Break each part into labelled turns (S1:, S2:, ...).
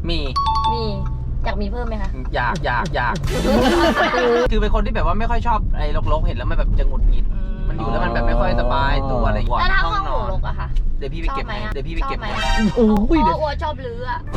S1: มี
S2: อยากมีเพิ่มไหมคะ
S1: อยากคือเป็นคนที่แบบว่าไม่ค่อยชอบไอ้รกๆเห็นแล้วมันแบบจะหงุดหงิดมันอยู่แล้วมันแบบไม่ค่อยสบายตัวอะไรอย่างเงี้ย
S2: แล้วถ้าห้องหนูรกอะค่ะ
S1: เดี๋ยวพี่ไปเก็บไหม
S2: โอ้ยอัวชอบลื้ออะ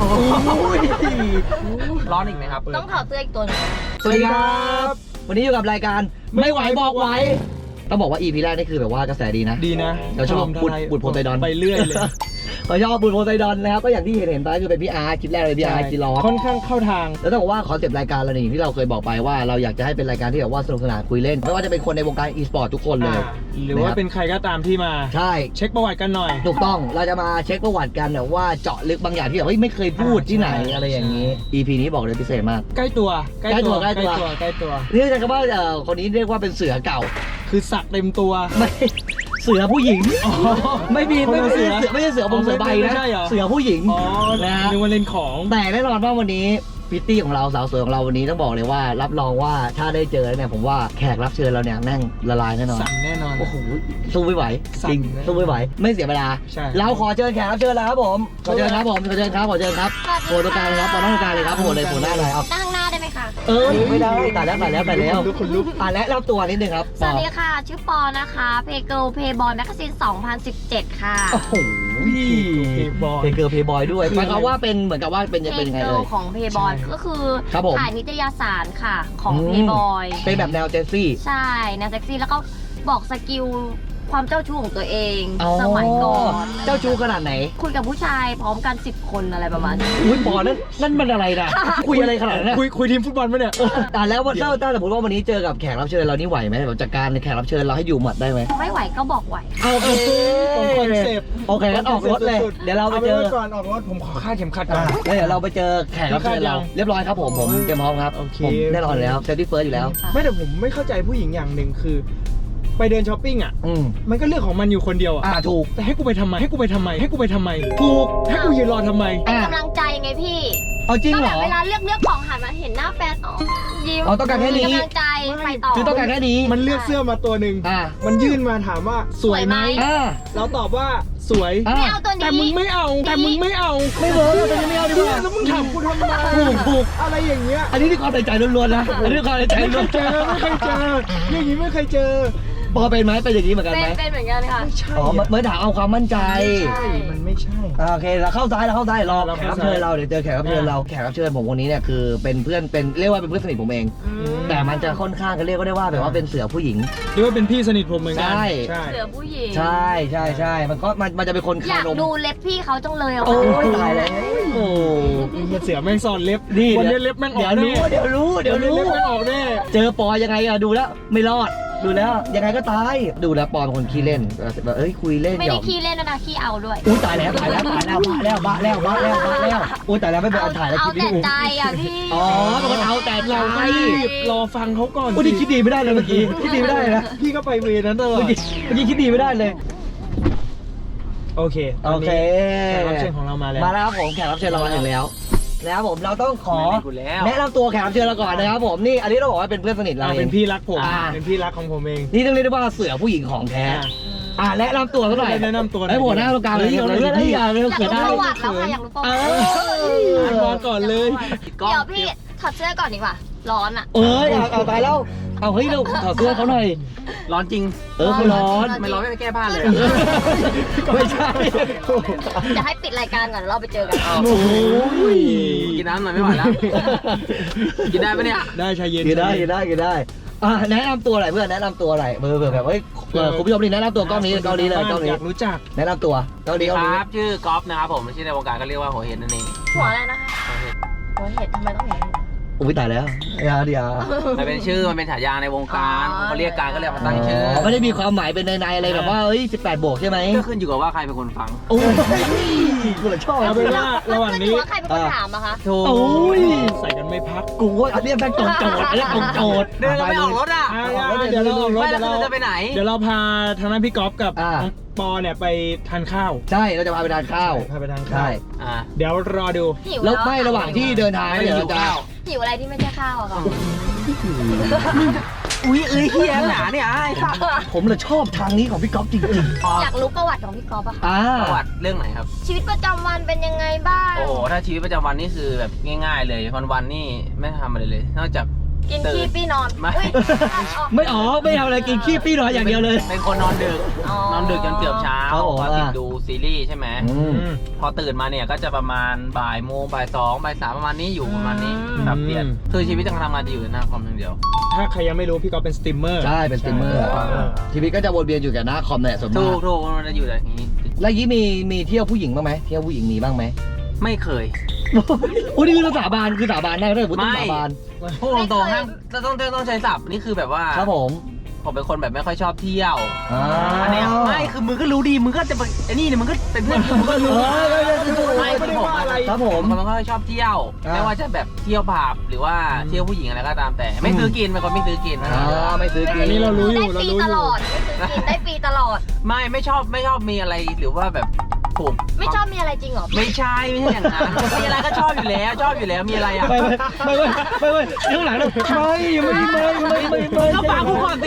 S1: ร้อนอีกไหมครับ
S2: ต้องถอดเสื้ออีกตัวนึง
S3: สวัสดีครับวันนี้อยู่กับรายการไม่ไหวบอกไหวต้องบอกว่า EP แรกนี่คือแบบว่ากระแสดีนะเราชอบบุตรโพไซดอน
S4: ไปเรื่อยเลย
S3: เราชอบบุตรโพไซดอนนะครับก็อย่างที่เห็นไปคือเป็นพี่อาร์คลิปแรกเลยพี่อาร์กินร้อน
S4: ค่อนข้างเข้าทาง
S3: แล้วต้องบอกว่าคอนเซปต์รายการเราเนี่ยที่เราเคยบอกไปว่าเราอยากจะให้เป็นรายการที่แบบว่าสนุกสนานคุยเล่นไม่ว่าจะเป็นคนในวงการอีสปอร์ตทุกคนเลย
S4: หรือว่าเป็นใครก็ตามที่มา
S3: ใช่
S4: เช็คประวัติกันหน่อย
S3: ถูกต้องเราจะมาเช็คประวัติกันแบบว่าเจาะลึกบางอย่างที่แบบไม่เคยพูดที่ไหนอะไรอย่างนี้ EP นี้บอกเลยพิเศษมาก
S4: ใกล้ตัว
S3: นี่จะคำว่าคนนี้เรียกว่าเป็นเสือเก่า
S4: คือสักเต็มตัว
S3: ไม่เสือผู้หญิงไม่ใช่เสือบงเสือใบนะเสือผู้หญิง
S4: นะนึกว่าเล่นของ
S3: แต่แน่นอนว่าวันนี้พิตตี้ของเราสาวสวยของเราวันนี้ต้องบอกเลยว่ารับรองว่าถ้าได้เจอเนี่ยผมว่าแขกรับเชิญเราเนี่ยแม่งละลายแน่นอน
S4: สั่นแน่นอน
S3: โอ้โหสู้ไม่ไหวจริงสู้ไม่ไหวไม่เสียเวลาเราขอเชิญแขกรับเชิญแล้วครับผมขอเชิญครับโผล่ตรงกลางครับโผล่ตรงกลางเลยครับโผล่เลยโผล่หน้าเลยครับ
S2: นั่งหน้าได้ไหมคะ
S3: ไม่ได้ตายแล้ว
S4: คนลุก
S3: และรับตัวนิดนึงครับ
S2: สวัสดีค่ะชื่อปอนะคะเพเกิลเพย์บอยแมกกาซีน2017ค่ะ
S3: โอ้โหเพเกิลเพย์บอยด้วยหมายความว่าเป็นเหมือนกับว่าเป็นยังไงเลย
S2: ของเพย์บอยก็คือถ่ายนิตยสารค่ะของเพย์บอย
S3: เป็นแบบแนวเจสซี่
S2: ใช่แนวเซ็กซี่แล้วก็บอกสกิลความเจ้าชู้ของตัวเองสมัยก่อน
S3: เจ้าชู้ขนาดไหน
S2: คุยกับผู้ชายพร้อมกัน10 คนอะไรประมาณนี้
S3: อุ้ยปอนั่นมันอะไรนะคุยอะไรขนาดนั้น
S4: คุยทีมฟุตบอลมั้ยเนี่ย
S3: แล้ววันถ้าสมมติว่าวันนี้เจอกับแขกรับเชิญเรานี่ไหวไหมแบบจัดการแขกรับเชิญเราให้อยู่หมัดได้ไหม
S2: ไม่ไหวก็บอกไหว
S3: โอเค
S4: คอนเซปต์
S3: โอเคงั้นออกรถเลยเดี๋ยวเราไปเจอ
S4: ก่อนออกรถผมขอคาดเข็มขัดก่อน
S3: แล้วเดี๋ยวเราไปเจอแขกรับเชิญเราเรียบร้อยครับผมเตรียมพร้อมครับผมแน่นอนแล้วเซฟตี้เฟิร์สอยู่แล้ว
S4: ไม่แต่ผมไม่เข้าใจผู้หญิงอย่างหนึ่งคือไปเดินช้อปปิ้งอ่ะมันก็เรื่องของมันอยู่คนเดียวอ่ะ
S3: ถูก
S4: แต่ให้กูไปทำไมถูกให้กูยืนรอทำไม
S2: กำลังใจไงพี่
S3: เอาจริงเหรอ
S2: เวลาเลือกของหันมาเห็นหน้าแฟนยิ้ม
S3: ต้องการแค่นี้
S2: กำลังใจไปต่อ
S3: คือต้องการแค่นี้
S4: มันเลือกเสื้อมาตัวหนึ่งมันยื่นมาถามว่าสวยไหมเราตอบว่าสวย
S2: ไม่เอาตัวนี้
S4: แต่มึงไม่เอา
S3: ไม่เวิร์กแต่ไม่เอาดีกว่า
S4: แล้วมึงถามกูทำไม
S3: ถูก
S4: อะไรอย่างเงี้ย
S3: อันนี้ที่ความใจล้วนๆนะอันนี้ความใจล้วน
S4: ไม่เคยเจออย่างนี้ไม่เคยเจอ
S3: ปอเป็นไหมเป็นอย่างนี้เหมือนกันไหม
S2: เป็นเหมือนกันค่ะ
S4: ไม่ใช่
S3: เหมือนถามเอาความมั่นใจ
S4: มันไม่ใช่
S3: โอเคเราเข้าซ้ายรอแขกรับเชิญเราเดี๋ยวเจอแขกรับเชิญเราแขกรับเชิญผมคนนี้เนี่ยคือเป็นเพื่อนเป็นเรียกว่าเป็นเพื่อนสนิทผมเองแต่มันจะค่อนข้างกันเรียกก็ได้ว่าแบบว่าเป็นเสือผู้หญิง
S4: หรือว่าเป็นพี่สนิทผมเหมือนกัน
S2: เสือผู้หญิง
S3: ใช่มันจะเป็นคน
S2: อยากดูเล็บพี่เขาจังเลยอ่ะ
S3: โอ้ยตายแล้ว
S4: โอ้เสือแม่งซ่อนเล็บวันนี้เล็บแม่งออก
S3: เดี๋ยวรู้
S4: เล็บแม่งออกแน่
S3: เจอปอยังไงอะดูแล้วไม่รอดดูแล้วยังไงก็ตายดูแล้วปอเป็นคนขี้เล่นแบบคุยเล่น
S2: ไม่ได้ขี้เล่นนะขี้เอาด้วย
S3: อุ้ยตายแล้วบ้าแล้วอุ้ยตายแล้วไม่เป็นอันถ่ายแล้ว
S2: คิดดีเอาแต่ใจอ่ะพี่
S3: เป็นคนเอาแต่
S4: เราไม่รอฟังเขาก่อน
S3: อุ้ยคิดดีไม่ได้เลยเมื่อกี้คิดดีไม่ได้นะ
S4: พี่ก็ไปเวนั้นตลอด
S3: เมื่อกี้คิดดีไม่ได้เลย
S4: โอเคแขกรับเชิญของเรามาแล้ว
S3: ครับผมแขกรับเชิญเรามาถึงแล้วนะครับผมเราต้องขอแนะนำตัวแขกรับเชิญเราก่อนนะครับผมนี่อันนี้เราบอกว่าเป็นเพื่อนสนิทเรา
S4: เป็นพี่รักผมเป็นพี่รักของผมเอง
S3: นี่ต้องเรียกได้ว่าเสือผู้หญิงของแท้แนะนำตัวสักหน่อย
S4: แนะนำตัว
S3: ไอ้หัวหน้าตรงกลางเลย
S2: อยากรู้ประวัติแล้วค่ะอยากรู้ประ
S4: วัติก่อนเลย
S2: เดี๋ยวพี่ถอดเสื้อก่อนดีกว่าร้อนอ่ะ
S3: เอาตายแล้วเอาเฮ้ยเราถอดเสื้อเขาหน่อย
S1: ร้อนจริง
S3: เขาร้อน
S1: ไม่ร้อนไม่แก้ผ้าเลย
S3: ไม่ใช่
S2: จะให้ปิดรายการก่อนเราไปเจอกัน
S3: โอ้ย
S1: กินน้ำหน่อยไม่ไหวแล้วกินได้ปะเนี่ย
S4: ได้ชาเย็น
S3: กินได้แนะนำตัวหน่อยเพื่อนแนะนำตัวหน่อยเบอร์แบบคุณผู้ชมนี่แนะนำตัวกล้องนี้เลย
S4: อยากรู้จัก
S3: แนะนำตัวกล้องนี้
S1: ครับชื่อกอล์ฟนะครับผมชื่อในวงการก็เรียกว่าหัวเห็ดนั่นเอง
S2: หัวอะไรนะคะหัวเห็ดทำไมต้องเห็น
S3: อุ้ยตายแล้วเดี๋ยว
S1: มันเป็นชื่อมันเป็นฉายาในวงการเขาเรียกการก็เลยมาตั้งชื่อ
S3: ไม่ได้มีความหมายเป็นในอะไรแบบว่า18 บวกใช่ไหม
S1: ก็ขึ้นอยู่กับว่าใครเป็นคนฟัง
S3: โอ้ยกูเลยชอบ
S4: เอาเป็นว่าระหว่างนี้
S2: ใครเป็นคนถามอะคะ
S3: โอ้ย
S4: ใส่กันไม่พัก
S3: กูว่าอันนี้แม่งตรงโจทย์อันนี้ตรงโจทย์
S1: เดินเราไปออกรถอ่ะ
S4: เดี๋ยวเราออกรถ
S1: เราจะไปไหน
S4: เดี๋ยวเราพาทางนั้นพี่ก๊อฟกับปอเนี่ยไปทานข้าว
S3: ใช่เราจะพาไปทานข้าวใช่
S4: เดี๋ยวรอดู
S3: แล้วไม่ระหว่างที่เดินทางเดี๋ยวเราจะ
S2: หิวอะไรที่ไม่ใช่ข้าวอะค่ะ
S1: อุ้ยเฮียหนาเนี่ยไอ้สัส
S3: ผมเลยชอบทางนี้ของพี่ก๊อฟจริง
S2: อยากรู้ประวัติของพี่ก๊อฟอะ
S3: ๆ
S2: ค่ะ
S1: ประวัติเรื่องไหนครับ
S2: ชีวิตประจำวันเป็นยังไงบ้าง
S1: โอ้โหถ้าชีวิตประจำวันนี่คือแบบง่ายๆเลยวันๆนี่ไม่ทำอะไรเลย นอกจาก
S2: กินขี้ปี้นอน
S1: ไม่
S2: อุ๊ย
S3: ไม่ไม่เอาอะไรกินขี้ปี้น้อยอย่างเดียวเลย
S1: เป็นคนนอนดึก
S2: อ๋อ
S1: นอนดึกจนเกือบเช้า
S3: ครับผม
S1: พอติดดูซีรีส์ใช่ไหม พอตื่นมาเนี่ยก็จะประมาณบ่ายโมงบ่ายสองบ่ายสามประมาณนี้อยู่ประมาณนี้แบบเปลี่ยนคือชีวิตการทำงานจะอยู่หน้าคอมอย่างเดียว
S4: ถ้าใครยังไม่รู้พี่ก๊อฟเป็นสตรีมเมอร์
S3: ใช่เป็นสตรีมเมอร์ชีวิตก็จะวนเวียนอยู่กับหน้าคอมเนี่ยส่วน
S1: ถู
S3: มาก
S1: กมันจะอยู่แบบนี้
S3: แล้วยี่มีเที่ยวผู้หญิงบ้างไหมเที่ยวผู้หญิงมีบ้างไหม
S1: ไม่เคย
S3: โอ้นี่คือสาบานได้ถ้าพูดถึงสาบาน
S1: พูดตรงๆห้ามต้องใช้ศัพท์นี่คือแบบว่า
S3: ครับผม
S1: ผมเป็นคนแบบไม่ค่อยชอบเที่ยว
S3: อ่า
S1: อันเนี้ยไม่คือมึงก็รู้ดีมึงก็จะไปไอ้นี่เนี่ยมึงก็เป็นเพื่อนกูมึงก็รู้
S4: ไม่ได้ว่าอะไร
S3: ครับผม
S1: มันก็ชอบเที่ยว
S3: อ่า
S1: ไม่ว่าจะแบบเที่ยวผับหรือว่าเที่ยวผู้หญิงอะไรก็ตามแต่ ไม่ซื้อกินเป็นคนไม่ซื้อกิน
S3: ไม่ซื้อกิ
S4: อันนี้เรารู้อยู่
S2: ได้ฟรีตลอดไม่ซื้อกินได้ฟรีตลอด
S1: ไม่ชอบมีอะไรหรือว่าแบบถูก
S2: ไม่ชอบมีอะไรจริงเหรอ
S1: ไม่ใช่อย่างนั้นมีอะไรก็ชอบอยู่แล้วมีอะไรอ่ะ
S3: ไม่ข้างหลังเลยไม่
S1: ก็ฟังกูก่อนสิ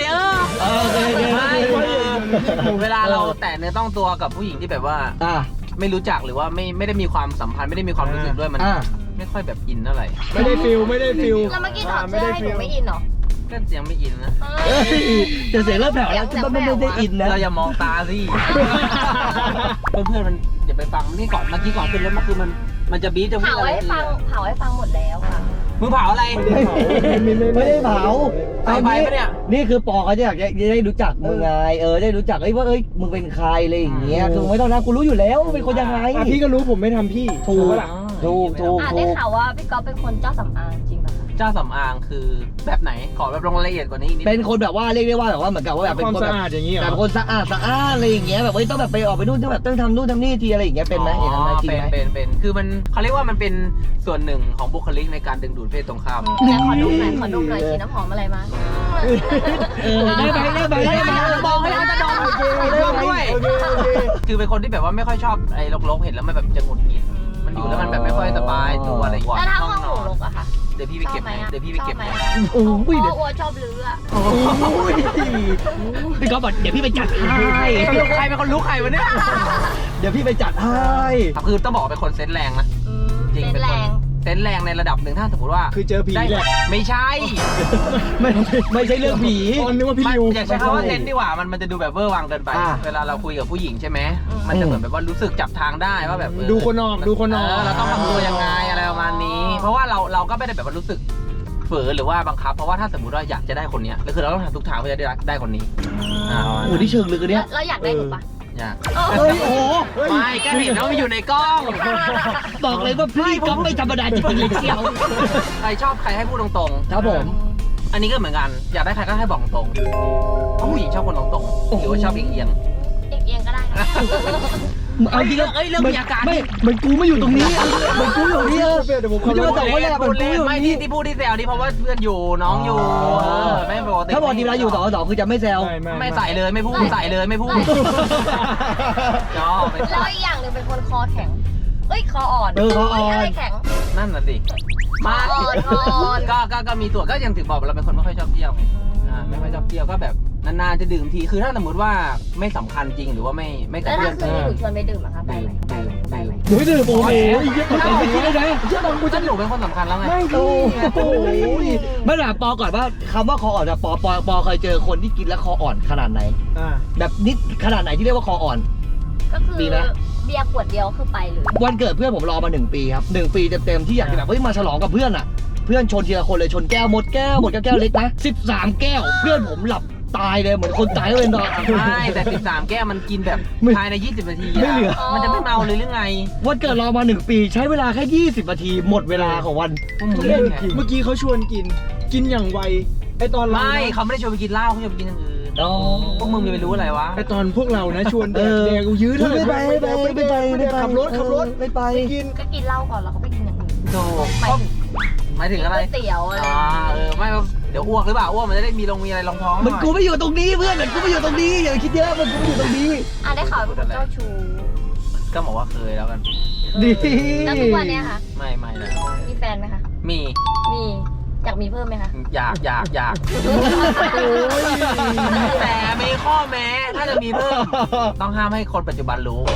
S1: ไม่เวลาเราแตะเนื้อต้องตัวกับผู้หญิงที่แบบว่า ไม่รู้จักหรือว่าไม่ได้มีความสัมพันธ์ไม่ได้มีความรู้สึกด้วยมันไม่ค่อยแบบอินเท่าไหร่
S4: ไม่ได้ฟิล
S2: แล้วเมื่อกี้ถอดเสื้อให้หนูไม่อินเหรอ
S1: ก็ยังไม่อินนะ
S3: จะเสียงเริ่มแผ่วแล้วไม่ได้อินนะ
S1: เราอย่ามองตาสิเพื่อนมันอย่าไปฟังนี่ก่อนเมื่อกี้ก่อนขึ้นรถมาคือมันจะบี๊จะพูด
S2: เผา
S1: อะไร
S2: ให้ฟังหมดแล้วค่ะ
S1: มึงเผาอะไร
S3: ไม่ได้เผา
S1: ใส่ไฟปะเนี่ย
S3: นี่คือปอเขาจะอยากได้รู้จักมึงไงได้รู้จักว่ามึงเป็นใครอะไรอย่างเงี้ยคือไม่ต้องนะกูรู้อยู่แล้วเป็นคนยังไง
S4: พี่ก็รู้ผมไม่ทำพี่
S3: ถูก
S4: ปะล่ะ
S2: ได้ข่าวว่าพี่ก๊อฟเป็นคนเจ้าสำอางจริงป่ะคะ
S1: เจ้าสำอางคือแบบไหนขอแบบลงรายละเอียดกว่านี้อีกนิด
S3: เป็นคนแบบว่าเรียกได้ว่าแบบว่าเหมือนกับว่าแบบเป็น
S4: ความ
S3: คน
S4: สะ
S3: แบบ
S4: อาดอย่างนี้เหร
S3: แต่
S4: อ
S3: เป็นคนสะอาดอะไรอย่างเงี้ยแบบต้องแบบไปออกไปนู่นต้องแบบต้องทำนู่นทำนี่ทีอะไรอย่างเงี้ยเป็นไหมอย่างนั้นไหมจริงไหม
S1: เป็นคือมันเขาเรียกว่ามันเป็นส่วนหนึ่งของบุคลิกในการดึงดูดเพศตรงข้าม
S2: แต่ขอดูหน่อยฉีดน้ำหอมอะไรมา
S3: ได้ไหม
S1: บอกให้เขาจะดมด้วยคือเป็นคนที่แบบว่าไม่ค่อยชอบไอ้รกๆเห็นแล้วมันแบบจะหงุดหงิดมันอยู่แล้วมันแบบไม่ค่อยสบายตัวอะไรอย่างเงี้ย
S2: แล้วถ้าห้องหนูรกอะค่ะ
S1: เดี๋ยวพี่ไปเก็บให้เดี๋ยวพี่ไปเก็บให้
S3: โอ้ย
S2: เพราะว่าชอบลื้ออะ
S3: พี่ก๊อฟบอกเดี๋ยวพี่ไปจัดให้
S1: ใครเป็นคนรู้ใครวะเนี่ย
S3: เดี๋ยวพี่ไปจัดให้
S1: คือต้องบอกเป็นคนเซนส์แรงนะจริง
S2: เป็น
S1: เป็น
S2: แร
S1: คน
S2: ง
S1: เซนส์แรงในระดับหนึ่งถ้าสมมติว่า
S4: คือเจอผี
S1: ได้
S4: แหละ
S1: ไม่ใช่
S3: ไม่ใช่เรื่องผี
S4: ตอนนึกว่าพี่ริว
S1: อยากใช้คำว่าเซนส์ดีกว่ามันจะดูแบบเวอร์วังเกินไป เวลาเราคุยกับผู้หญิงใช่ไหมมันจะเหมือนแบบว่ารู้สึกจับทางได้ว่าแบบ
S4: ดูคนออก
S1: เราต้องทำตัวยังไงอะไรประมาณนี้ เพราะว่าเราก็ไม่ได้แบบว่ารู้สึกฝืนหรือว่าบังคับเพราะว่าถ้าสมมติว่าอยากจะได้คนเนี้ยคือเราต้องทำทุกทางเพื่อจะได้คนนี้
S3: โอ้ที่เชิงลึกเนี่ย
S2: แล้วอยากได้หนูปะ
S1: อยาก
S3: เฮ้ยโอ้
S1: ไม่ก็เห็นว่ามันอยู่ในกล้อง
S3: บอกเลยว่าพี่ก๊อฟไม่ธรรมดาจริงๆเชียว
S1: ใครชอบใครให้พูดตรงๆ
S3: ครับผม
S1: อันนี้ก็เหมือนกันอยากได้ใครก็ให้บอกตรงเพราะผู้หญิงชอบคนตรงๆหรือว่าชอบเอียง
S2: เอียงก็ได้ค่ะ
S3: เอาจริง
S1: เรื่องมีอาการ
S3: ไม่เหมือนกูไม่อยู่ตรงนี้เหมือนกูอยู่นี่
S4: เดี๋ยวผม
S3: คุณจะมาตอบว่าแหละเหมือนกูอยู่
S1: ไม่
S3: นี่
S1: ที่พูดที่แซวนี่เพราะว่าเพื่อนอยู่น้องอยู่ไม่ปกติ
S3: ถ้าบอกทีเวลาอยู่2-2คือจะไม่แซว
S1: ไม่ใส่เลยไม่พูดใส่เลยไม่พูดจอ
S2: แล้วอีกอย่างหนึ่งเป็นคนคอแข็งคออ่อน
S3: คออ่อน
S2: อะไรแข็ง
S1: นั่นน่ะสิมา
S2: คออ่อน
S1: ก็มีตัวก็ยังถึงบอกเราเป็นคนไม่ค่อยชอบเที่ยวไงไม่ค่อยชอบเที่ยวก็แบบนานๆจะดื่มทีคือถ้าสมมติว่าไม่สำคัญจริงหรือว่าไม่กับ
S2: แล้ว
S1: เพื่
S2: ถ้า
S1: อน
S2: คืนนี้หนูชวนไปดื่มอะคะได้ไหมได้ไหม
S3: หนูไม่ดื่มโอ้โหไม่คิดเลยนะ
S1: เชื่อผมกูจะหนูเป็นคนสำคัญแล้วไง
S3: โอ้ยไม่หนาปอก่อนว่าคำว่าคออ่อนปอเคยเจอคนที่กินแล้วคออ่อนขนาดไหนแบบนิดขนาดไหนที่เรียกว่าคออ่อน
S2: ก็คือเบียร์ขวดเดียวคือไปเลย
S3: วันเกิดเพื่อนผมรอมา1 ปีครับ1 ปีเต็มๆที่อยากจะแบบมาฉลองกับเพื่อนอ่ะเพื่อนชนทีละคนเลยชนแก้วหมดแก้วเล็กนะ13 แก้วเพื่อนผมหลับตายเลยเหมือนคนตายเลยนอน
S1: ไม่แต่13 แก้วมันกินแบบภายใน20 นาที
S3: ไม่เหลือ
S1: มันจะไม่เมาเลยหรือไง
S3: วันเกิดรอมา1 ปีใช้เวลาแค่20 นาทีหมดเวลาของวัน
S1: พวกมึงเล่นไง
S4: เมื่อกี้เขาชวนกินอย่างไวไอตอนเรา
S1: ไม่เขาไม่ได้ชวนไปกินเหล้าเขาชวนไปกินอย่างอื่น
S3: อ๋อ
S1: พวกมึงจะไปรู้อะไรวะ
S4: ไอตอนพวกเรานะชวนแดกกูยื้อเท่าไหร่
S3: ไม่ไป
S4: ขับรถ
S3: ไม่ไป
S4: กิน
S2: ก็กินเหล้าก่อนแล้วเขาไปกินอย่างอื่น
S1: โธ่หมายถึงอะไร
S2: ก๋วยเตี๋ยวอะไร
S1: ไม่เดี๋ยวอ้วกหรือเปล่าอ้วกมันจะได้มีอะไรรองท้อง
S3: มันกูไม่อยู่ตรงนี้เพื่อนมันกูไม่อยู่ตรงนี้อย่าคิดเยอะมันกูไม่อยู่ตรงนี้
S2: ได้ข่าวเป็นคนเจ้าชู้
S1: ก็บอกว่าเคยแล้วกัน
S3: ดี
S2: แล้วทุกวันเนี้ยค่ะ
S1: ไม่แล้ว
S2: มีแฟนไหมคะ
S1: มี
S2: มีอยากมีเพิ่มไหมคะ
S1: อยากแต่มีข้อแม้ถ้าจะมีเพิ่มต้องห้ามให้คนปัจจุบันรู้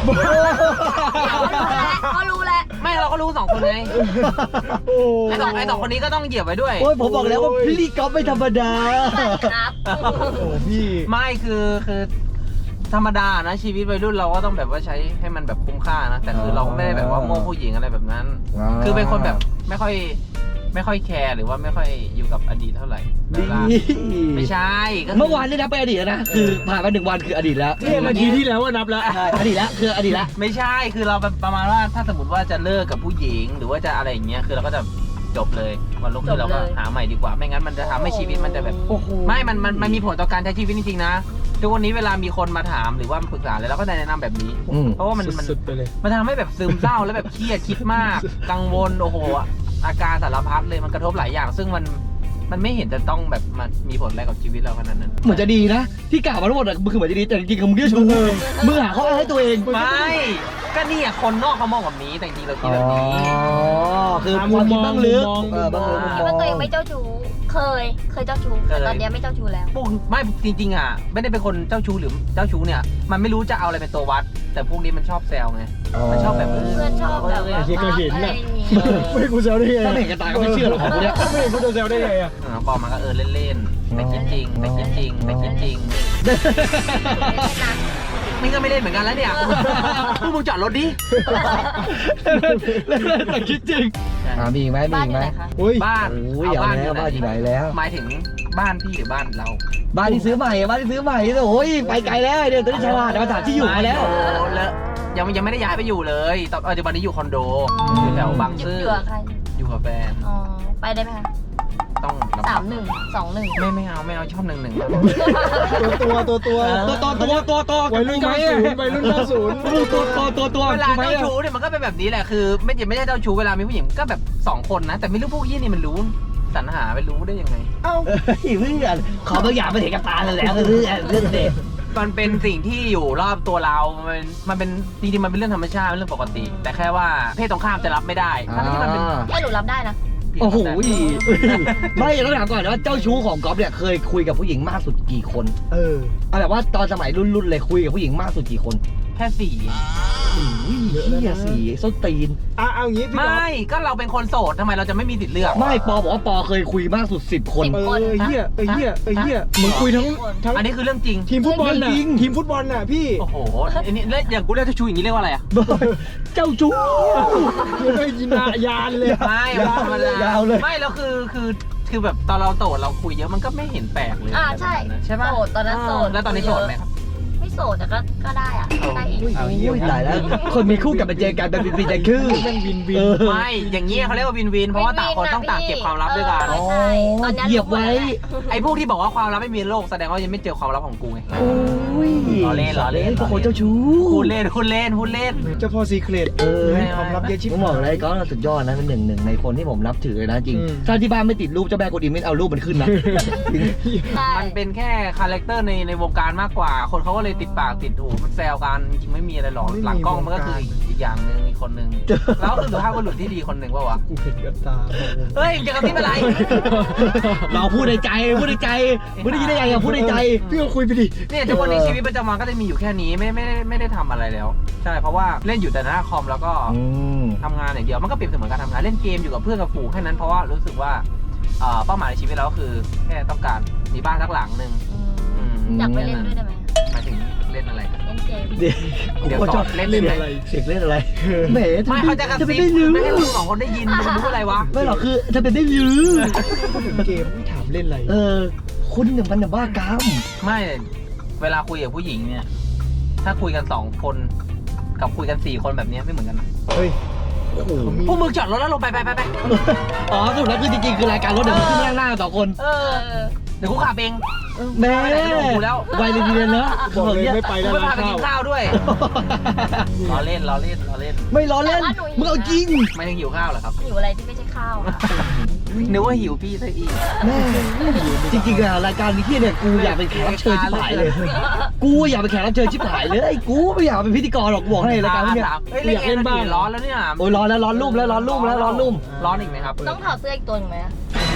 S2: ก็รู้แล้ว
S1: ไม่เราก็รู้2 คนไงไอ้สองคนนี้ก็ต้องเหยียบไว้ด้วย
S3: โอ้ยผมบอกแล้วว่าพี่ก๊อฟไม่ธรรมดา
S2: ครับ
S4: โอ้พี่
S1: ไม่คือธรรมดานะชีวิตวัยรุ่นเราก็ต้องแบบว่าใช้ให้มันแบบคุ้มค่านะแต่คือเราก็ไม่ได้แบบว่าโม่ผู้หญิงอะไรแบบนั้น คือเป็นคนแบบไม่ค่อยแคร์หรือว่าไม่ค่อยอยู่กับอดีตเท่าไหร่เวลาไม่ใช่ก็คื
S3: เมื่อวานนี่นับไปนอดีตแล้วนะ คือผ่านไป1 วันคืออดีตแล้ว
S4: เนี่ยนาทีที่แล้วว่านับแล้ว
S3: ใช่อดีตแล้วคืออดีตแล้ว
S1: ไม่ใช่คือเราแบบประมาณว่าถ้าสมมติว่าจะเลิกกับผู้หญิง หรือว่าจะอะไรอย่างเงี้ยคือเราก็จะจบเลยวันรุ่งขึ้นเราก็หาใหม่ดีกว่าไม่งั้นมันจะทำให้ชีวิตมันจะแบบ
S3: โอ้โห
S1: ไม่มันมีผลต่อการใช้ชีวิตจริงๆนะทุกวันนี้เวลามีคนมาถามหรือว่าปรึกษาอะไรเราก็จะแนะนำแบบนี้ เพราะว่ามัน
S4: สุดๆไปเลย
S1: มันทำให้แบบซึมเศร้าแล้วแบบเครียดคิดมาก กังวลโอ้โหอาการสารพัดเลยมันกระทบหลายอย่าง ซึ่งมันไม่เห็นจะต้องแบบมันมีผลอะไรกับชีวิตเราขนาดนั้น
S3: เหมือนจะดีนะ ที่กล่าวมาทั้งหมดอะคือเหมือนจะดีแต่จริงๆมึงเรียกชูมึงหาข้ออ้างให้ตัวเอง
S1: ไม่ก็นี่อะคนนอกเขามองแบบนี้แต่จริงๆเราคิดแบบนี้
S3: คือความคิดบ้างลึก
S4: มุมมอง
S3: บ้างลึก
S2: คิดว่าตัวเองไม่เจ้าชู้เคยเจ้าชู้แต่ตอนเนี้ยไม่เจ้าชู้แล้ว
S1: พวกไม่จริงๆอ่ะไม่ได้เป็นคนเจ้าชู้หรือเจ้าชู้เนี่ยมันไม่รู้จะเอาอะไรเป็นตัววัด แต่พวกนี้มันชอบแซวไงมันชอบแบบ
S2: เพื่อนชอบแบบว่า
S4: ไอ้เหี้ยก็เห็น
S2: อะไร
S4: น่ะ
S2: อย่างงี้
S4: ไม่กูเซลได้ไง
S3: ถ้าไม่เห็นกันตาก็ไม่เชื่อหรอกของพวกเนี้ย
S4: ไม่กูจะเซลได้ไงอ่ะ
S1: ปอมันก็เล่นๆแต่คิดจริงแต่คิดจริงแต่คิดจริงนี่ก็ไม่เล่นเหมือนกันแล้วเนี่ยพวกมึงจอดรถดิ
S3: แต่คิดจริงมีอีกไหมมี
S2: บ้าน
S3: อีก
S2: อยู่
S3: ไหม
S2: ไหนคะ
S4: โอ้ย
S1: บ้าน
S3: โอ้ยเอาแล้วบ้านอยู่ไหนแล้ว
S1: หมายถึงบ้านพี่หรือบ้านเรา
S3: บ้านที่ซื้อใหม่บ้านที่ซื้อใหม่โอ้ยไปไกลแล้วเดี๋ยวตอนนี้ฉลาดมาถามที่อยู่มาแล้ว
S1: แล้วยังไม่ได้ย้ายไปอยู่เลยตอนปัจจุบันนี้อยู่คอนโดอยู่แถวบางซื่อ
S2: อยู่กับใคร
S1: อยู่กับแฟน
S2: อ๋อไปได้ไหมคะ
S1: ต้อง
S2: 31
S1: ไม่เอาชอบ1-1
S4: ตัว
S3: วัยรุ่น
S4: วัยรุ่น90
S3: ตัว
S1: เวลาเจ้าชู้เนี่ยมันก็เป็นแบบนี้แหละคือไม่ใช่เจ้าชู้เวลามีผู้หญิงก็แบบ2 คนนะแต่ไม่รู้พวกยี่นี่มันรู้สรรหาไปรู้ได้ยังไง
S4: เอ้า
S3: เพื่อนขอบางอย่างไม่เห็นกับตาเลยแล้วเรื่องเด็ก
S1: มันเป็นสิ่งที่อยู่รอบตัวเรา มันเป็นจริงๆมันเป็นเรื่องธรรมชาติเป็นเรื่องปกติ แต่แค่ว่าเพศตรงข้ามจะรับไม่ได้ทั้งที่มันเป็น
S2: ให้หนูรับได้นะ
S3: โอ้โหไม่ต้องถามก่อนว่าเจ้าชู้ของก๊อฟเนี่ยเคยคุยกับผู้หญิงมากสุดกี่คน เอาแบบว่าตอนสมัยรุ่นเลยคุยกับผู้หญิงมากสุดกี่คน
S1: แค่4
S3: เฮียสีส้นตีน
S4: เอางี้พี่
S1: ไม่ก็เราเป็นคนโสดทำไมเราจะไม่มีสิทธิ์เลือก
S3: ไม่ปอบอกว่าปอเคยคุยมากสุด10 คน
S4: เฮียมึงคุยทั้ง
S1: อันนี้คือเรื่องจริง
S4: ทีมฟุตบอลน่ะทีมฟุตบอลน่ะพี่
S1: โอ้โหอันนี้แล้วอย่างกูเรียกเจ้าชู้อย่างนี้เรียกว่าอะไรอ่ะ
S3: เจ้าชู้
S4: ยังไม่ยินยานเลย
S1: ไม่ธรรมดาย
S3: าวเลย
S1: ไม่แล้วคือแบบตอนเราโสดเราคุยเยอะมันก็ไม่เห็นแปลกเลย
S2: ใช่
S1: ใช่ป่ะ
S2: โสดตอนนั้นโสด
S1: แล้วตอนนี้โสดไหมครับ
S2: ไม่โสดแต่ก็ได้อะได้อีก
S1: เอาเยี่ยม
S3: ตายแล้ว คนมีคู่กับมาเจอกันแบบปีใจคือ
S4: แม่งวิน
S1: ไม่อย่างนี้เขาเรียกว่าวินวินเพราะว่าต่างคนต้องต่างเก็บความลับด้วยกัน
S2: ใช่ตอนนี้
S3: เหยียบไว้
S1: ไอ้พวกที่บอกว่าความลับไม่มีในโลกแสดงว่ายังไม่เจอความลับของกูไง
S3: โอ้ย
S1: ล้อเล่น
S3: พวกคนเจ้าชู้
S1: พูดเล่น
S4: เจ้าพ่อซีเครต
S1: ไม่
S4: ความลับเยอะชิบ
S3: ผมบอกเลยก็สุดยอดนะเป็นหนึ่งในคนที่ผมนับถือเลยนะจริง
S4: อืม
S3: ถ้าที่บ้านไม่ติดรูปเจ้าแม่กวนอิมไม่เอารูปมันขึ้นนะ
S2: ใช่
S1: มันเป็นแค่คาแรคเตอร์ในวงการมากกว่า คนเขาก็เลยติดปากติดหูมันแซวกันจริงไม่มีอะไรหรอกหลังกล้องมันก็คืออีกอย่างหนึ่งอีกคนนึงแล้วคือสุภาพบุรุษที่ดีคนหนึ่งว่าวะ
S4: กูเห็นกับตา
S1: เฮ้ยจะกระซิบอะไร
S3: เราพูดในใจพูดในใจไม่ได้ยินได้ไงอะพูดในใจ
S4: พี่ก็คุยไปดิ
S1: เนี่ยทุกวันนี้ชีวิตประจำวันก็จะมีอยู่แค่นี้ไม่ได้ทำอะไรแล้ว ใช่เพราะว่าเล่นอยู่แต่หน้าคอมแล้วก็ทำงานอย่างเดียวมันก็เปรียบเสมือนการทำงานเล่นเกมอยู่กับเพื่อนกับฝูงแค่นั้นเพราะว่ารู้สึกว่าเป้าหมายในชีวิตเราก็คือแค่ต้องการมีบ้านสักหลังหนึ่ง
S2: อยากไปเล่นด้วยได้ไหม
S1: หมายถึงเล่นอะไร
S2: เล่นเกม
S3: เด็กกูก็ชอบ
S1: เล่น
S3: เล่น
S1: อะไร
S3: เด็กเล่นอะไรแหม
S1: ไม่เขาจะกระ
S3: จะ
S1: ซิ
S3: ไม่
S1: บ
S3: ได้รู้
S1: ไม่ให้เรา2 คนได้ยินจะรู้อะไรวะ
S3: ไม่หรอกคือจะเป็นได้รู้
S4: เกมไม่ถามเล่นอะไร
S3: คุณเนี่ยมันบ้ากาม
S1: ไม่เวลาคุยกับผู้หญิงเนี่ย ถ้าคุยกัน2 คนกับคุยกัน4 คนแบบนี้ไม่เหมือนกันนะ
S4: เฮ้ยโอ้โห
S1: พวกมึงจอดรถแล้วลงไป
S3: อ๋อสรุปแล้วคือจริงๆคือรายการรถเดี๋ยวมันขึ้นหน้า2 คน
S1: เดี๋ยวกูขับเอง
S3: แม่
S1: ไปไหนไม่รู้แล้ว
S3: ไวเลยทีเดียวเนอะ
S4: บอกเลยไม่ไป
S1: กู
S4: แล้ว
S1: ไม่
S4: นะ
S1: พาไปกินข้าวด้วยล้อเล่น
S3: ไม่ล้อเล่นมึงเอาจริง
S1: ไม่ถึงหิวข้าวเหรอครับ
S2: หิวอะไรที่ไม่ใช่ข้าวอะ
S1: นึกว่าหิวพี่ซะอีก
S3: แม่จริงๆอะรายการนี้เนี่ยกูอยากเป็นแขกรับเชิญชิบหายเลย กูอยากเป็นแขกรับเชิญชิบหายเลยกูไม่อยากเป็นพิธีกรหรอกกูบอกให้รายการนี้เนี่ย
S1: เฮ้ยเล่นเล่นบ้างร้อนแล้วเนี่ย
S3: โอ้ยร้อนแล้วร้อนรุ่มแล้วร้อนรุ่มแล้วร้อนรุ่ม
S1: ร้อนอีกไหมครับ
S2: ต้องถอดเสื้ออีกตัวหนึ่งไหมอะ
S1: ร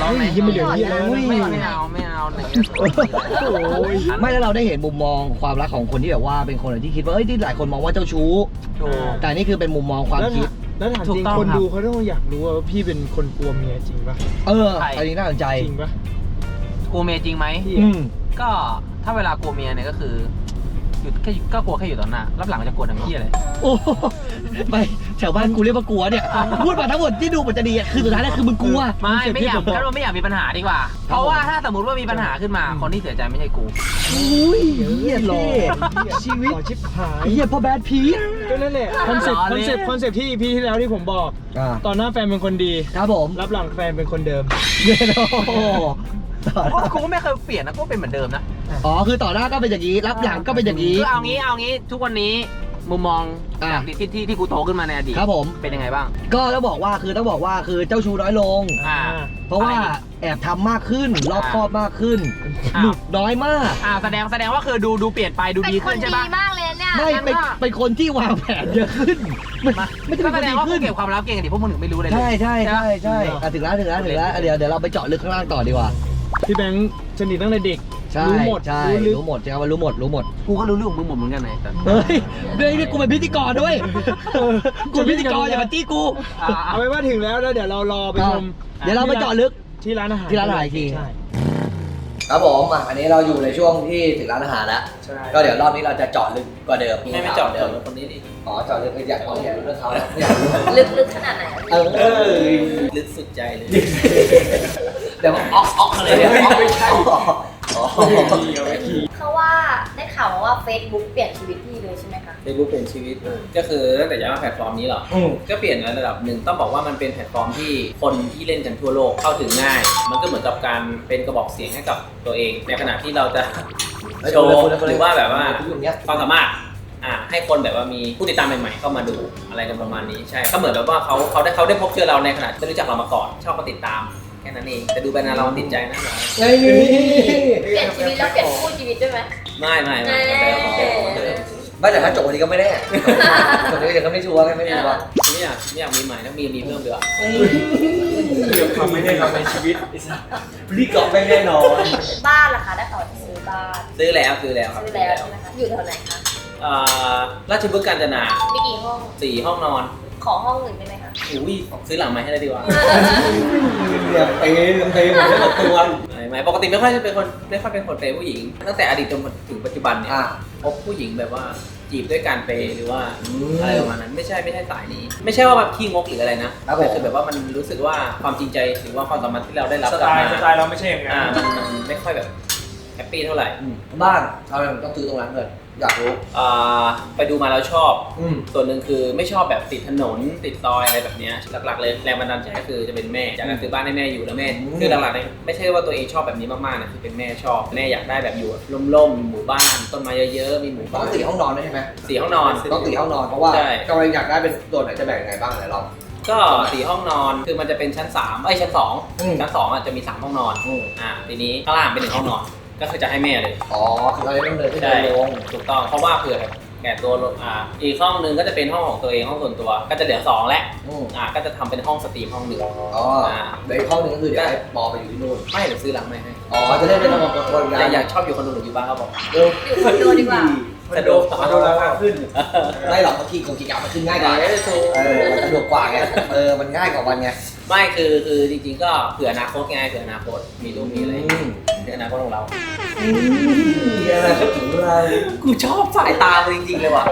S1: ลองไหม
S4: ยิ่งไม่เหลือที่แล้ว
S1: ไม่เอาอย่างเงี้ย
S4: โอ้ย
S3: ไม่แล้วเราได้เห็นมุมมองความรักของคนที่แบบว่าเป็นคนที่คิดว่าเอ้ยที่หลายคนมองว่าเจ้าชู้
S1: ถูก
S3: แต่นี่คือเป็นมุมมองความคิด
S4: แล้วถาม
S1: ถู
S4: จ
S1: ก
S4: ริง
S1: ต้อง
S4: คน
S1: ครับ
S4: ดูเขาต้องอยากรู้ว่าพี่เป็นคนกลัวเมียจริงปะ
S3: อันนี้น่าสนใจ
S4: จริงปะ
S1: กลัวเมียจริงไหม
S4: พี่
S3: อืม
S1: ก็ถ้าเวลากลัวเมียเนี่ยก็คือหยุดแค่ก็กลัวแค่อยู่ตอนหน้ารับหลังจะกลัวทำเหี้ยเลย
S3: โอ้ไปแถวบ้านกูเรียกว่ากลัวเนี่ยพูดมาทั้งหมดที่ดูมันจะดีอะคือสุดท้ายแล้วคือมึงกลัว
S1: ไม่อยากก็ไม่อยากมีปัญหาดีกว่า เพราะว่าถ้าสมมติว่ามีปัญหาขึ้นมาคนที่เสียใจไม่ใช่กู
S3: อุ้ยเฮียหล่อชีวิต
S4: ขอชิบหาย
S3: เฮียพ่อแบดพีท
S4: ก็นั่นแหละคอนเซ็ปต์
S1: ล้อเล่น
S4: คอนเซ็ปต์ที่ EP ที่แล้วที่ผมบอก ตอนหน้าแฟนเป็นคนดี
S3: ครับผม
S4: รับหลังแฟนเป็นคนเดิม
S3: เย้โอ้
S1: กูก็ไม่เคยเปลี่ยนนะกูเป็นเหมือนเดิมนะ
S3: อ๋อคือต่อหน้าก็เป็นอย่างนี้รับหลังก็เป็นอย่างนี้
S1: คือเอางี้ทุกวันนี้มุมมอง
S3: อ่ะ
S1: จากที่กูโตขึ้นมาในอดีต
S3: ครับผม
S1: เป็นยังไงบ้าง
S3: ก็ต้องบอกว่าคือเจ้าชู้น้อยลง
S1: อ่า
S3: เพราะว่า
S1: อะไรอีก
S3: แอบทำมากขึ้นรอบคอบมากขึ้น
S1: อ้าว
S3: หลุดน้อยมาก
S1: แสดงว่าคือดูเปลี่ยนไปดู
S2: เป็น
S1: ดี
S2: ค
S1: ขึ้
S2: น
S1: นใช่
S2: ดี
S1: ปะ
S2: มากเลยเนี่ย
S3: ไม่
S1: งั้น
S3: เป็น
S1: ก็
S3: เป็นคนที่วางแผนเยอะขึ้นไม่จะ
S1: ก็
S3: เป็น
S1: แส
S3: คน
S1: ด
S3: ดี
S1: งว่า
S3: ขึ้
S1: กู
S3: น
S1: เก็บความลับเก่งดิพวกมึงถึงไม่รู้เลย
S3: ใช่
S1: ปะ
S3: อ่ะถึงแล้วเดี๋ยวเราไปเจาะลึกข้างล่างต่อดีกว่า
S4: พี่แบงค์สนิทตั้งแต่เด็ก
S3: ใช่
S4: รู้หมด
S3: ใช่
S4: รู้ลึก
S3: รู้หมดใช่ไหมว่ารู้หมด
S1: กูก็รู้เรื่องของมึงหมดเหมือนกันไงแต่
S3: เฮ้ยเดี๋ยวนี่กูเป็นพิธีกรด้วยกูเป็นพิธีกรอย่ามาจี้กู
S4: เอาไว้ว่าถึงแล้วเดี๋ยวเรารอไปชม
S3: เดี๋ยวเราไปเจาะลึก
S4: ที่ร้านอาหาร
S3: ที่ร้านอาหารอีกที
S4: ใช่
S3: ครับผมอันนี้เราอยู่ในช่วงที่ถึงร้านอาหารแล้ว
S4: ใช่
S3: ก็เดี๋ยวรอบนี้เราจะเจาะลึกกว่าเดิม
S1: ไม่เจาะ
S3: เดิ
S1: เดิ
S3: ม
S1: มคนนี้ดิ
S3: อ๋อเจาะลึกอยากรู้เรื่องเขาแล้วอยากรู้
S2: ลึกขนาดไหน
S1: ลึกสุดใจเลย
S3: เดี๋ยวอ๊อกอะไรเนี่ยไม่ใช่อ๋อ
S2: เขาว่าได้ข่าวมาว่า Facebook เปลี่ยนชีวิตพี่เลยใช่ไหมคะ
S5: เฟซบุ๊กเป็นชีวิตก็คือตั้งแต่ย้ายมาแพลตฟอร์มนี้เหรอ ก็เปลี่ยนในระดับหนึ่งต้องบอกว่ามันเป็นแพลตฟอร์มที่คนที่เล่นกันทั่วโลกเข้าถึงง่าย มันก็เหมือนกับการเป็นกระบอกเสียงให้กับตัวเอง ในขณะที่เราจะโชว์หรือว่าแบบว่าความสามารถให้คนแบบว่ามีผู้ติดตามใหม่ๆเข้ามาดูอะไรกันประมาณนี้ใช่ก็เหมือนแบบว่าเขาได้พบเจอเราในขณะที่ไม่รู้จักเรามาก่อนชอบมาติดตามแค่นั้นเองแต่ดูไปนานเราติดใจนะ
S2: เปลี่ยนชีวิตแล้วเปลี่ยนคู่ชีวิตด้วยไหม
S5: ไม่
S3: ไม่แต่ถ้าจบวันนี้ก็ไม่แน่จบวันนี้ก็ไม่ชัวร์ไม่รู้ว่า
S5: ไม่อยากมีใหม่นะมีเพิ่มดีกว่า
S4: ความไม่ได้เราในชีวิต
S3: รีกรอบไม่แน่นอน
S2: บ้านล่ะคะได้ข่าวว่าจะซื้อบ้าน
S5: ซื้อแล้วครับ
S2: ซื้อแล้วใช่ไหมคะอยู่แถวไหนคะ
S5: ราชบุรีกาญจนา
S2: มีกี่ห้อง
S5: 4 ห้องนอน
S2: ขอห้องหนึ่งได้ไหมคะ
S5: อุ้ยซื้อหลังไม้ให้ได้ดีกว่า
S3: เนี่ยเปย์หมดทั้งตัว
S5: ไม่ปกติไม่ค่อยเป็นคนเปย์ผู้หญิง ตั้งแต่อดีตจนถึงปัจจุบันเนี่ยพบผู้หญิงแบบว่าจีบด้วยการเปย์หรือว่าอะไรประมาณนั้นไม่ใช่สายนี้ ไม่ใช่ว่าแบบขี้งกหรืออะไรนะแต่คือแบบว่ามันรู้สึกว่าความจริงใจหรือว่าความสามารถที่เราได้รับ
S4: ส
S5: กลับ
S4: ไต
S5: มา
S4: ล์เราไม่ใช่อย่างนั้น
S5: มันไม่ค่อยแบบแฮปปี้เท่าไหร่
S3: บ้านเราต้องซื้อตรงนั้นเลยอยากรู้
S5: ไปดูมาแล้วชอบ ส่วนหนึ่งคือไม่ชอบแบบติดถนนติดซอยอะไรแบบเนี้ยหลักๆเลยแรงบันดาลใจก็คือจะเป็นแม่อยากจะซื้อบ้านให้แม่อยู่แล้วแม่คือหลักๆเลยไม่ใช่ว่าตัวเองชอบแบบนี้มากๆนะคือเป็นแม่ชอบแม่อยากได้แบบอยู่ร่มๆหมู่บ้านต้นไม้เยอะๆมีหมู่
S3: ต้อ
S5: บ้าง น
S3: 4 ห้องนอนได้ใช่ไหม
S5: 4 ห้องนอน
S3: ต้อง4 ห้องนอนเพราะว่า
S5: ใช่
S3: กำลังอยากได้เป็นตัวไหนจะแบ่งยังไงบ้างไหนลอง
S5: ก็4 ห้องนอนคือมันจะเป็นชั้น3ชั้น2ชั้น2จะมี3 ห้องนอนทีนี้ข้างล่างเป็น1 ห้องนอนก็คือจะให้แม่เลย
S3: อ๋อคือเราต้องเดินขึ้น
S5: ใช่
S3: เดินลง
S5: ถูกต้องเพราะว่าเผื่อแก่ตัวอีกห้องนึงก็จะเป็นห้องของตัวเองห้องส่วนตัวก็จะเหลือ2แล้วก็จะทำเป็นห้องสตรีมห้องหนึ่ง
S3: อ๋อเดี๋ยวอีกห้องนึงก็คือเดี๋ยวให้ปอไปอยู่ที่นู่น
S5: ไม่เดี๋ยวซื้อหลังไม่ให้
S3: อ๋อจะได้เป็นระบบคน
S5: อยากชอบอยู่คอนโดหรืออยู่บ้านเขาบอก
S2: อยู่คอนโดดีกว่า
S5: สะดวก
S4: ดูราคาขึ้น
S3: ไม่หรอกเขาขี่กงขี่กะมันขึ้นง่ายกว่ามันสะดวกกว่าไงมันง่ายกว่าวันไง
S5: ไม่คือจริงๆก็เผื่ออนาคตไงเผื่ออนาคตมีลูกมีอะไรเผื่ออนาคตของเรา
S3: อะไรก็ถึงเรา
S5: กูชอบสายตาจริงๆเลยว่ะ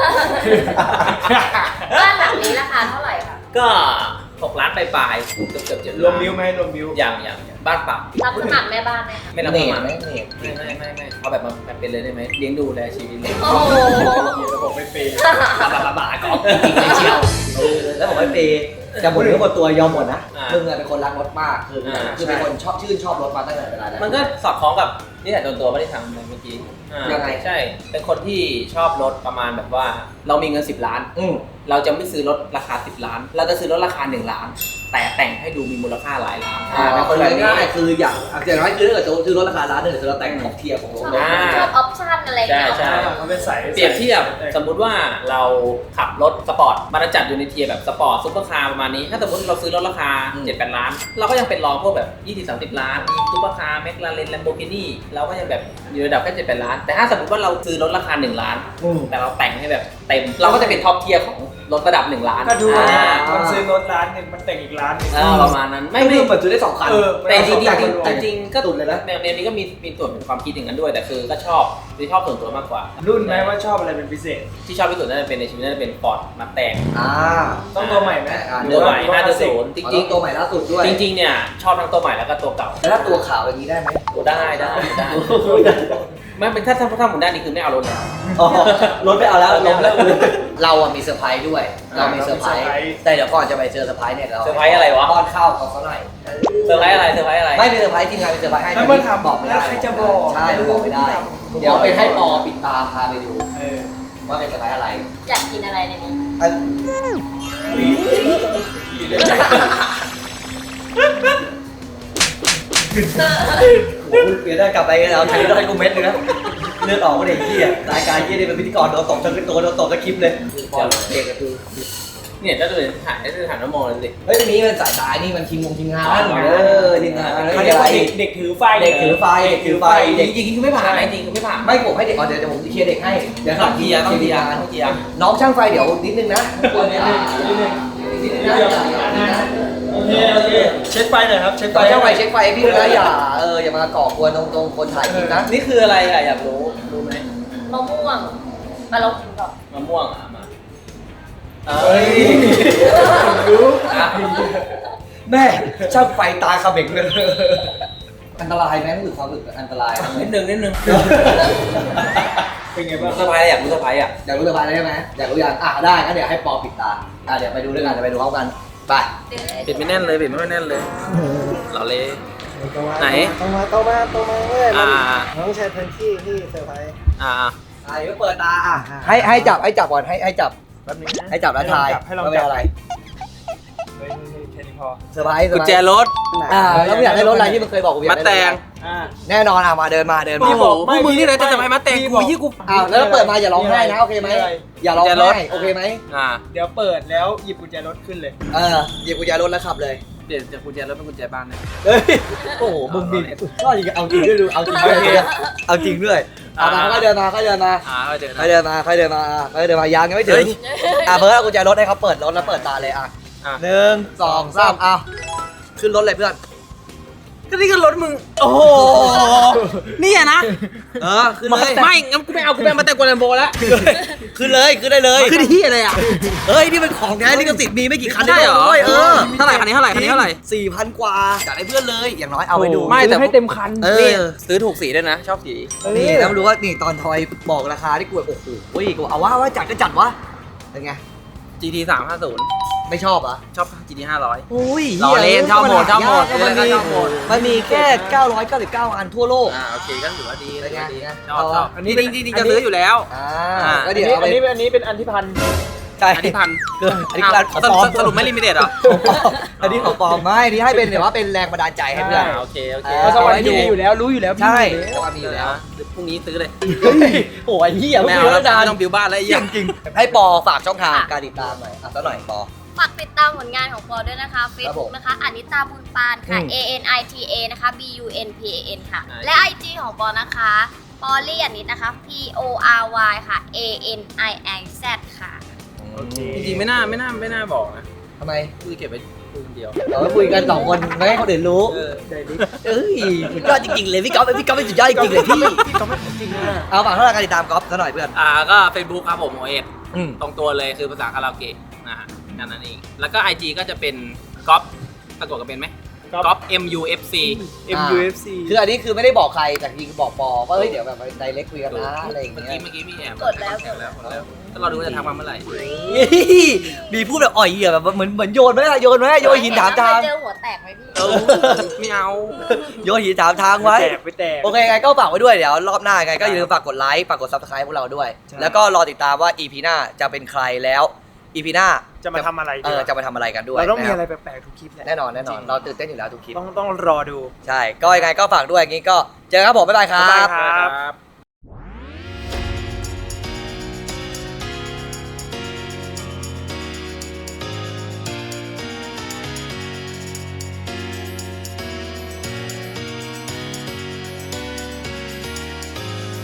S2: บ้านหลังนี้ราคาเท่าไหร่คะ
S5: ก็6 ล้านปลายๆเกือบ7
S4: รวมบิวไหมรวมบิว
S5: อย่างบ้านเปล่า
S2: รับสมัครแม่บ้านไหมคะ
S5: ไม่รับ
S3: เน
S5: ส
S3: ต
S5: มัคร
S3: ไหม
S5: ไม่เอาแบบมาเป็นเลยได้ไหมเลี้ยงดูแลชีวิตเลย
S2: โอ้โห
S4: ระบบไม่เปย์
S3: บ้าก็จริงเลยเชียวแล้วผมไม่เปย์จะหมดเนื้อหมดตัวยอมหมดนะมึงเป็นคนรักรถมากคือเป็นคนชื่นชอบรถมาตั้งแต่เวลาแล้ว
S5: มันก็สอดคล้องกับนี่แหละโดนตัวไม่ได้ทำเมื่อกี้ใช่เป็นคนที่ชอบรถประมาณแบบว่าเรามีเงิน10 ล้านเราจะไม่ซื้อรถราคา10 ล้านเราจะซื้อรถราคา1 ล้านแต่แต่งให้ดูมีมูลค่าหลายล้าน
S3: เป็นคนง่ายๆคืออย่างอย่างน้อยคือถ้าเกิดซื้อรถราคาล้านนึงคือเราแต่งท็อปเทียร์ของรถ
S2: ชอบออปชั่นอะไรอย่างเงี้ย
S5: ใช่
S4: มันเป็นสาย
S5: เปรียบเทียบสมมุติว่าเราขับรถสปอร์ตมันจะจัดอยู่ในเทียร์แบบสปอร์ตซุปเปอร์คาร์ประมาณนี้ถ้าสมมติเราซื้อรถราคา 7-8 ล้าน เราก็ยังเป็นรองพวกแบบ 20-30 ล้านมีซุปเปอร์คาร์แมคลาเรนแลมโบกินี่เราก็ยังแบบอยู่ระดับแค่7-8 ล้าน แต่ถ้าสมมติว่าเราซื้อรถราคา1 ล้าน แต่เราแต่งให้แบบเต็มเราก็จะเป็นท็อปเทียร์ของรถระดับ1 ล้าน
S4: ก็ดูมันซื้อรถล้านหนึ่งมันแต่งอีกล้านหนึ่ง
S5: ประมาณนั้นไม่
S3: เหมือนซื้อได้2 คัน
S5: แต่จริงๆก็
S3: ตุนเลยนะ
S5: แนวนี้ก็มีส่วนเป็นความคิดอย่างนั้นด้วยแต่คือก็ชอบส่วนตัวมากกว่า
S4: รุ่นไหมว่าชอบอะไรเป็นพิเศษ
S5: ที่ชอบที่สุดน่าจะเป็นในชีวิตน่าจะเป็นฟอร์ดมาแต่ง
S4: ต้องตัวใหม่ไหม
S5: ตัวใหม่5.0จริง
S3: ตัวใหม่ล่าสุดด้วย
S5: ๆจริงๆเนี่ยชอบทั้งตัวใหม่แล้วก็ตัวเก่า
S3: แล้วถ้าตัวขาวอย่างนี้ได้ไหม
S5: ได้ไม่เป็นถ้าหมุนด้านนี้คือไม่เอารถแล้ว
S3: รถไม่เอาแล้วลงแล้วเราอะมีเซอร์ไพรส์ด้วยเรามีเซอร์ไพรส์แต่เดี๋ยวก่อนจะไปเจอเซอร์ไพรส์เนี่ยเรา
S5: เซอร์ไพรส์อะไรวะ
S3: ป้อนข้าวเขาซะหน่อย
S5: เซอร์ไพรส์อะไร
S3: ไม่เป็นเซอร์ไพรส์จริงๆเป็นเซอร์ไพรส์ให้
S4: แล้วมันทำ
S3: บอกไม่ได้
S4: แล้วใครจะบอก
S3: ใช่บอกไม่ได้ เดี๋ยวไปให้ปอปิดตาพาไปดูว่าเป็นเซอร์ไพรส์อะไร
S2: อยากกินอะไรในนี้
S3: โอ้โหเปลี่ยนได้กลับไปแล้วใช้ได้กูเม็ดนึงนะเลือดออกก็เด็กที่รายการยี่นี่เป็นพิธีกรโดนตบทั้งตัวโดนตบทั้งคลิปเลยพอเด็กก็คือ
S5: เนี่ยก็เลยถ่ายน้ำมองเลยสิ
S3: เฮ้ยนี่มันสายตายนี่มันทีมงานทีมงานทีมงาน
S4: เขาเรียกว่าเด็กถือไฟ
S3: เด็กถือไฟเด็ก
S5: จริงๆคือไม่ผ่านจริงๆคือไม่ผ่าน
S3: ไม่ผมให้เด็กเดี๋ยวผมเคลียร์เด็กให้เดี๋ยว
S5: ต้องเกียร์
S3: น้องช่างไฟเดี๋ยวนิดนึงนะควรนิดนึงนะ
S4: โอเคเช็คไฟหน่อยครับเช็คไฟ
S3: ตอนช่างไฟเช็คไฟพี่นะอย่ามาก่อกวนตรงคนถ่ายคลิปนะ
S5: นี่คืออะไรอะอยากรู้ไหม
S2: มะม่วงมาลองกินก่อน
S5: มะม่วงมา
S3: เฮ้ยแม่ช่างไฟตาขมิงเลยอันตรายไหมรู้สึกความรู้สึกอันตราย
S5: นิดนึง
S4: เป็นไงบ้าง
S5: เซอร์ไพรส์อยากรู้เซอร์ไพรส์อ่ะ
S3: อยากรู้สบายได้ไหมอยากรู้ยังได้งั้นเดี๋ยวให้ปอปิดตาเดี๋ยวไปดูด้วยกันไปดูพร้อมกันไป
S5: ปิดไม่แน่นเลยหล่อเลย ไหน
S4: ต้องมาเว้ยน้องแชร์พื้นที่ที่เซอร์ไพรส์
S3: เดี๋ยวเปิดตาให้จับก่อนให้จับ
S4: แป๊บนึงนะ
S3: ให้จับแล้วทาย
S4: ให้ลอง
S3: ว่า
S4: จั
S3: เป็น
S4: บ
S3: อะไร
S4: เฮ้ยแค่นี้พอ
S3: เซอร์ไพรส์
S5: กุญแจรถ
S3: แล้วมึงอยากได้รถอะไรที่มึงเคยบอกกูอยาก
S5: มา
S3: ได้
S5: แต่ง
S3: แน่นอนมาเดินมา
S5: พี่บอกพวกมึงนี่เลยจะให้มาแต่งกูยี่กู
S3: แล้วเปิดมาอย่าร้องไห้นะโอเคไหมอย่าร้องไห้โอเคไหม
S4: เดี๋ยวเปิดแล้วหยิบกุญแจรถขึ้นเลย
S3: หยิบกุญแจรถแล้วขับเลย
S5: เปลี่ยนจากกุญแจรถเป็นกุญแจบ้านนะ
S3: โอ้โหมึงบินก็จริงเอาจริงด้วยดูเอาจริงด้วยเอาจริงด้วยก็เดินมายังไม่ถึงเบิร์ดเอากุญแจรถให้เขาเปิดรถแล้วเปิดตาเลย1 2 3ขึ้นรถเลยเพื่อน
S5: ก็นี่ก็รถมึงโอ้โหนี่อะนะ
S3: ขึ้นเลย
S5: ไม่งั้นกูไม่เอากูไปมาแต่งกวนแลมโบแล้ว
S3: ขึ้นเลยขึ้นได้เลย
S5: ขึ้นที่อะไรอ่ะ
S3: เฮ้ยนี่เป็นของแท้ลิขสิทธิ์มีไม่กี่คัน
S5: ใช่เหรอ
S3: เท่าไหร่
S5: คันนี้เท่าไหร่
S3: 4,000 กว่าอยากได้เพื่อนเลยอย่างน้อยเอาไปดู
S5: ไม่แต่
S4: ให้เต็มคัน
S5: นี่ซื้อถูกสีด้วยนะ ชอบสี
S3: นี่แล้วรู้ว่านี่ตอนทอยบอกราคาที่กูโอ้โหกูเอาว่าจัดก็จัดวะเป็นไง
S5: GT 350
S3: ไม่ชอบอ่ะ
S5: ชอบ GT 500
S3: อุ้ย
S5: ล้อเล่นชอบหมด
S3: มันมีแค่999 อันทั่วโลก
S5: โอเคก็ถือว่าดี
S3: เป็นไง
S5: ชอบอันนี้จริงๆจะซื้ออยู่แล้ว
S3: ก็เดี๋ยวเอาไป
S4: อันนี้เป็นอันที่พัน
S3: ใช่
S5: อันนี้พัน
S3: อันนี้คือของปลอม
S5: สรุปไม่ลิมิเต็ดเหรอ
S3: อันนี้ของปลอมไม่ที่ให้เป็นแบบว่าเป็นแรงบันดาลใจให้เพื่อน
S5: โอเค
S4: เพราะสวรรค์มีอยู่แล้วรู้อยู่แล้ว
S3: ใช่แต่ว่ามีอยู่แล้ว
S5: พรุ่งนี้ซื้อเลย
S3: โอ้ยเหี้ย
S5: ไม่เอาแล้วไม่ต้องบิวบ้านแล้ว
S3: จริงให้ปอฝากช่องทางการติดตามหน่อยสักหน่อยปอ
S2: ฝากติดตามผลงานของปอด้วยนะคะ Facebook นะคะอานิตาบุญปานค่ะ ANITA นะคะ BUNPAN ค่ะ และ IG ของปอนะคะปอลี่อานิตนะคะ PORY ค่ะ ANIIZ ค่ะ
S5: จริงๆไม่น่าบอกนะ
S3: ทำไม
S5: กูจะเก็บไว้คุยคนเดียว
S3: เราคุยกัน2 คนไม่ให้คนอื่นรู้เอ้ยสุดยอดจริงๆเลยพี่ก๊อฟเป็นสุดยอดจริงๆเลยพี่เอาฝากเท่าไหร่การติดตามก๊อฟสักหน่อยเพื่อน
S5: ก็ Facebook ครับผมโอเอสตรงตัวเลยคือภาษาคาราโอเกะนะฮะนั่นเองแล้วก็ IG ก็จะเป็นก๊อฟปรากฏกันเป็นไหมก๊อฟ MUFC
S4: MUFC
S3: คืออันนี้คือไม่ได้บอกใครแต่จริงบอกปอว่าเฮ้ยเดี๋ยวแบบไดเรกคุยกันนะอะไรอย่าง
S5: เมื่อ
S3: เงี้ย
S5: กี้มีแอบ
S2: กดแล้ว
S5: ก็เราดูว่าจะทำมาเมื่อไหร่
S3: มีพูดแบบอ่อยเหี้ยแบบเหมือนโยนไหมโยนหินถามทาง
S2: เจอหัวแตกไหมพี่
S5: ไม่เอา
S3: โยนหินถามทางไว้
S4: ไปแตก
S3: โอเคไงก็ฝากไว้ด้วยเดี๋ยวรอบหน้าไงก็อย่าลืมฝากกดไลค์ฝากกด Subscribe พวกเราด้วย แล้วก็รอติดตามว่า EP หน้าจะเป็นใครแล้ว
S6: EP หน้า
S4: จะมาทำอะไรดี
S6: จะมาทำอะไรกันด้วย
S4: เราต้องมี
S6: นค
S4: อะไร
S6: บ
S4: แปลกๆทุกคลิปแหละ
S6: แน่นอน
S4: จริง
S6: เราตื่นเต้นอยู่แล้วทุกคลิป
S4: ต้องรอดู
S6: ใช่ก็ยังไงก็ฝากด้วยอย่างนี้ก็เจอกันครับผมบ๊ายบายครั
S4: บ๊ายบาย
S6: บ
S4: ครับ